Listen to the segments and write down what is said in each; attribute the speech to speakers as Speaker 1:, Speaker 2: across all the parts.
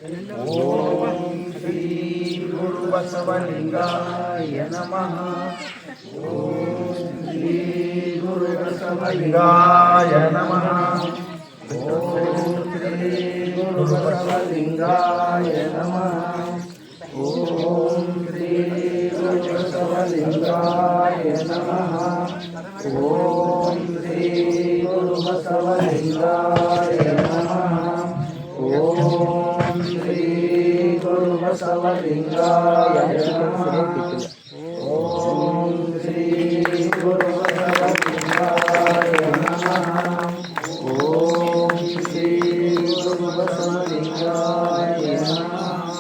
Speaker 1: ಓಂ ಶ್ರೀ ಗುರು ಬಸವಲಿಂಗಾಯ ನಮಃ. ಓಂ ಶ್ರೀ ಗುರು ಬಸವಲಿಂಗಾಯ ನಮಃ. ಓಂ ಶ್ರೀ ಗುರು ಬಸವಲಿಂಗಾಯ ನಮಃ. ಓಂ ಶ್ರೀ ಗುರು ಬಸವಲಿಂಗಾಯ ನಮಃ. ಓಂ ಶ್ರೀ ಗುರು ಬಸವಲಿಂಗಾಯ ನಮಃ. ಓಂ ಶ್ರೀ ಗುರು ಬಸವಲಿಂಗಾಯ ನಮಃ. ಓಂ ಶ್ರೀ ಗುರು ಬಸವಲಿಂಗಾಯ ನಮಃ. ಓಂ ಶ್ರೀ ಗುರು ಬಸವಲಿಂಗಾಯ ನಮಃ.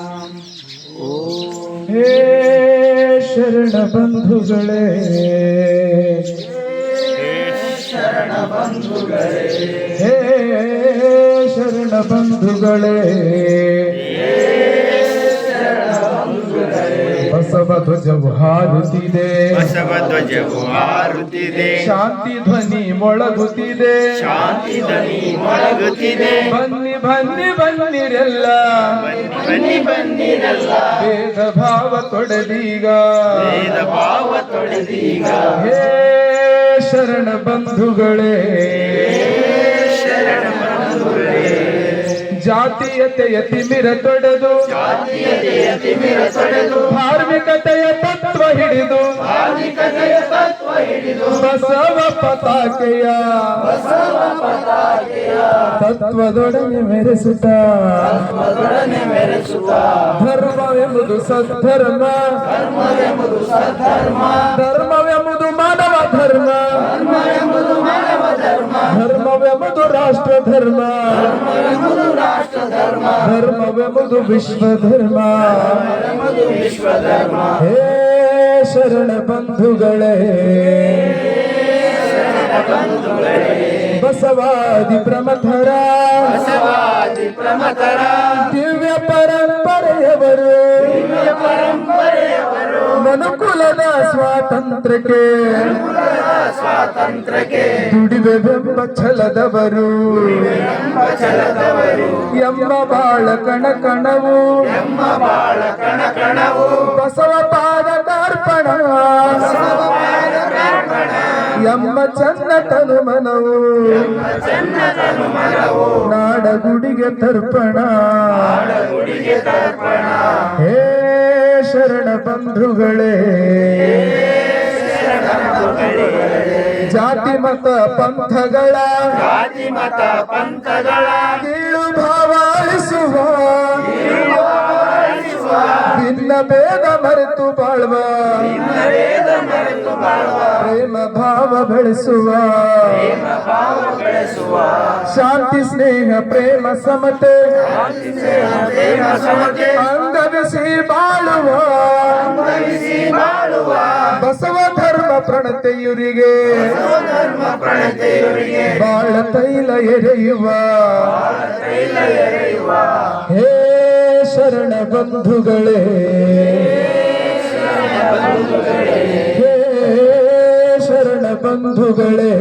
Speaker 2: ಹೇ ಶರಣ ಬಂಧುಗಳೇ,
Speaker 1: ಶರಣ ಬಂಧುಗಳೇ,
Speaker 2: ಹೇ ಶರಣ ಬಂಧುಗಳೇ, ಬಸವ ಧ್ವಜವು ಹಾರುತ್ತಿದೆ,
Speaker 3: ಬಸವ ಧ್ವಜವು ಹಾರುತ್ತಿದೆ,
Speaker 2: ಶಾಂತಿ ಧ್ವನಿ ಮೊಳಗುತ್ತಿದೆ,
Speaker 3: ಶಾಂತಿ ಧ್ವನಿ ಮೊಳಗುತ್ತಿದೆ.
Speaker 2: ಬನ್ನಿ ಬನ್ನಿ ಬನ್ನಿರೆಲ್ಲ,
Speaker 3: ಬನ್ನಿ ಬನ್ನಿರಲ್ಲ,
Speaker 2: ಭೇದ ಭಾವ ತೊಡೆದೀಗ,
Speaker 3: ಭೇದ ಭಾವ ತೊಡೆದೀಗ.
Speaker 2: ಹೇ ಶರಣ ಬಂಧುಗಳೇ,
Speaker 3: ಶರಣ ಬಂಧುಗಳೇ,
Speaker 2: ಜಾತೀಯತೆಯ ತಿಮಿರ ತೊಡೆದು,
Speaker 3: ಜಾತೀಯತೆಯ ತಿಮಿರ ತೊಡೆದು,
Speaker 2: ಧಾರ್ಮಿಕತೆಯ ತತ್ವ ಹಿಡಿದು,
Speaker 3: ಧಾರ್ಮಿಕತೆಯ ತತ್ವ ಹಿಡಿದು,
Speaker 2: ಬಸವ ಪತಾಕೆಯ ತತ್ವದೊಡನೆ ಮೆರೆಸುತ್ತ,
Speaker 3: ಧರ್ಮದೊಡನೆ ಮೆರೆಸುತ್ತ,
Speaker 2: ಧರ್ಮವೆಂಬುದು ಸದ್ಧರ್ಮ,
Speaker 3: ಧರ್ಮವೆಂಬುದು ಸದ್ಧರ್ಮ,
Speaker 2: ಧರ್ಮವೆಂಬುದು ಮಾನವ ಧರ್ಮ,
Speaker 3: ಧರ್ಮವೆಂಬುದು ಮಾನವ ಧರ್ಮ,
Speaker 2: ಧರ್ಮವೆಂಬುದು ರಾಷ್ಟ್ರ ಧರ್ಮ,
Speaker 3: ಧರ್ಮವೆಂಬುದು ರಾಷ್ಟ್ರ ಧರ್ಮ,
Speaker 2: ಧರ್ಮವೆಂಬುದು ವಿಶ್ವ ಧರ್ಮ.
Speaker 3: ಧರ್ಮವೆಂಬುದು ವಿಶ್ವ ಧರ್ಮ.
Speaker 2: ಹೇ ಶರಣ ಬಂಧುಗಳೇ, ಬಸವಾದಿ ಪ್ರಮಥರ,
Speaker 3: ಬಸವಾದಿ ಪ್ರಮಥರ,
Speaker 2: ದಿವ್ಯ ಪರಂಪರೆಯವರು,
Speaker 3: ಪರಂಪರೆಯವರು,
Speaker 2: ಮನುಕುಲದ ಸ್ವಾತಂತ್ರ್ಯಕ್ಕೆ
Speaker 3: ಸ್ವಾತಂತ್ರ್ಯಕ್ಕೆ
Speaker 2: ದುಡಿವೆಂಬ ಛಲದವರು,
Speaker 3: ಛಲದವರು,
Speaker 2: ಎಮ್ಮ ಬಾಳ ಕಣಕಣವು,
Speaker 3: ಎಮ್ಮ ಬಾಳ ಕಣಕಣವು,
Speaker 2: ಬಸವ ಪಾದ ಕಾರ್ಪಣ, ಎಮ್ಮ ಚನ್ನ ತನು ಮನವು,
Speaker 3: ಚನ್ನತನು ಮನವು,
Speaker 2: ನಾಡಗುಡಿಗೆ ತರ್ಪಣ.
Speaker 3: ಗುಡಿಗೆ ತರ್ಪಣ.
Speaker 2: ಹೇ ಶರಣ ಬಂಧುಗಳೇ, ಜಾತಿ ಮತ ಪಂಥಗಳ
Speaker 3: ಜಾತಿ ಮತ ಪಂಥಗಳ
Speaker 2: ಕೀಳು ಭಾವಿಸುವ, ಭಿನ್ನ ಭೇದ ಮರೆತು ಬಾಳುವ,
Speaker 3: ವೇದ ಮರೆತು ಬಾಳುವ,
Speaker 2: ಪ್ರೇಮ ಭಾವ ಬೆಳೆಸುವ,
Speaker 3: ಭಾವ ಬೆಳೆಸುವ,
Speaker 2: ಶಾಂತಿ ಸ್ನೇಹ ಪ್ರೇಮ ಸಮತೆ
Speaker 3: ಪ್ರೇಮ ಸಮತೆ
Speaker 2: ಅಂಗವಿಸಿ ಬಾಳುವ,
Speaker 3: ಅಂಗವಿಸಿ ಬಾಳುವ,
Speaker 2: ಬಸವ ಧರ್ಮ ಪ್ರಣತೆಯುರಿಗೆ
Speaker 3: ಧರ್ಮ ಪ್ರಣತೆಯವರಿಗೆ
Speaker 2: ಬಾಳ ತೈಲ ಎರೆಯುವ.
Speaker 3: ತೈಲ ಎರೆಯುವ.
Speaker 2: ಹೇ ಶರಣ ಬಂಧುಗಳೇ, ಹೇ ಶರಣ ಬಂಧುಗಳೇ,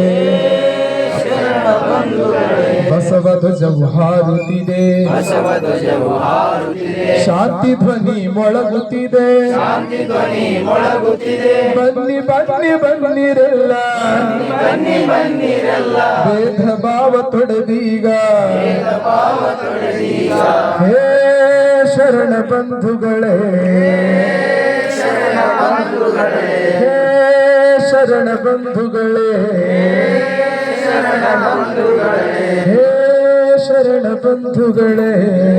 Speaker 2: ಬಸವ ಧ್ವಜವು ಹಾರುತ್ತಿದೆ,
Speaker 3: ಬಸವ ಧ್ವಜವು ಹಾರುತ್ತಿದೆ,
Speaker 2: ಶಾಂತಿ ಧ್ವನಿ ಮೊಳಗುತ್ತಿದೆ,
Speaker 3: ಶಾಂತಿ ಧ್ವನಿ ಮೊಳಗುತ್ತಿದೆ.
Speaker 2: ಬನ್ನಿ ಬನ್ನಿ ಬನ್ನಿರೆಲ್ಲ,
Speaker 3: ಬನ್ನಿ ಬನ್ನಿರಲ್ಲ,
Speaker 2: ಭೇದ ಭಾವ ತೊಡೆದೀಗ,
Speaker 3: ಭಾವ ತೊಡೆದೀಗ.
Speaker 2: ಹೇ ಶರಣ ಬಂಧುಗಳೇ,
Speaker 3: ಶರಣ ಬಂಧುಗಳೇ,
Speaker 2: ಹೇ ಶರಣ ಬಂಧುಗಳೇ,
Speaker 3: ಶರಣ ಬಂಧುಗಳೇ,
Speaker 2: ಹೇ ಶರಣ ಬಂಧುಗಳೇ.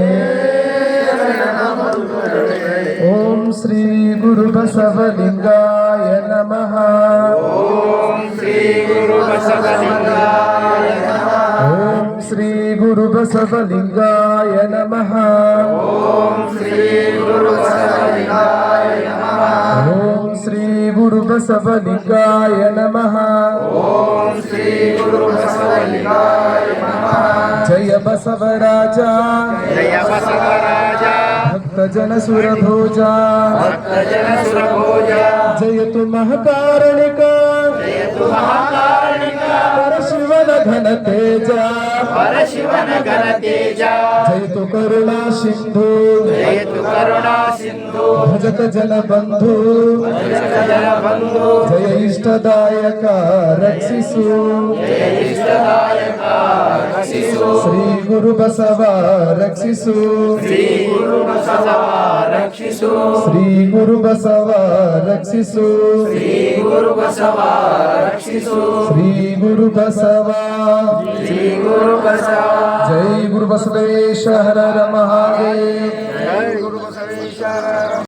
Speaker 2: ಓಂ ಶ್ರೀ ಗುರು ಬಸವಲಿಂಗಾಯ ನಮಃ.
Speaker 3: ಓಂ ಶ್ರೀ ಗುರು ಬಸವಲಿಂಗಾಯ ನಮಃ.
Speaker 2: ಓಂ ಶ್ರೀ ಗುರು ಬಸವಲಿಂಗಾಯ ನಮಃ.
Speaker 3: ಓಂ ಶ್ರೀ ಗುರು ಬಸವಲಿಂಗಾಯ ನಮಃ.
Speaker 2: ಓಂ ಶ್ರೀ ಗುರು ಬಸವಲಿಂಗಾಯ ನಮಃ.
Speaker 3: ಓಂ ಶ್ರೀ ಗುರು ಬಸವಲಿಂಗಾಯ ನಮಃ.
Speaker 2: ಜಯ ಬಸವರಾಜ,
Speaker 3: ಜಯ ಬಸವರಾಜ,
Speaker 2: ಭಕ್ತ ಜನ ಸುರಭೋಜ,
Speaker 3: ಭಕ್ತ ಜನ ಸುರಭೋಜ,
Speaker 2: ಜಯತು ಮಹಾಕಾರಣಿಕ,
Speaker 3: ಜಯತು ಮಹಾಕಾರಣಿಕ,
Speaker 2: ಪರಶಿವನ ಘನ ತೇಜ,
Speaker 3: परशिवन घन तेजा
Speaker 2: जयतु करुणा सिंधु
Speaker 3: जयतु करुणा सिंधु
Speaker 2: भजत जन बंधु
Speaker 3: जन बंधु
Speaker 2: जय इष्टदायक रक्षिसु
Speaker 3: जय इष्टदायक रक्षिसु
Speaker 2: श्री गुरु बसव रक्षिसु
Speaker 3: श्री गुरु बसव रक्षिसु
Speaker 2: श्री गुरु बसव रक्षिसु
Speaker 3: श्री गुरु बसव रक्षिसु
Speaker 2: श्री गुरु बसव
Speaker 3: श्री गुरु बसव
Speaker 2: जय गुरु बसवेश्वर हर हर महादेव
Speaker 3: जय गुरु बसवेश्वर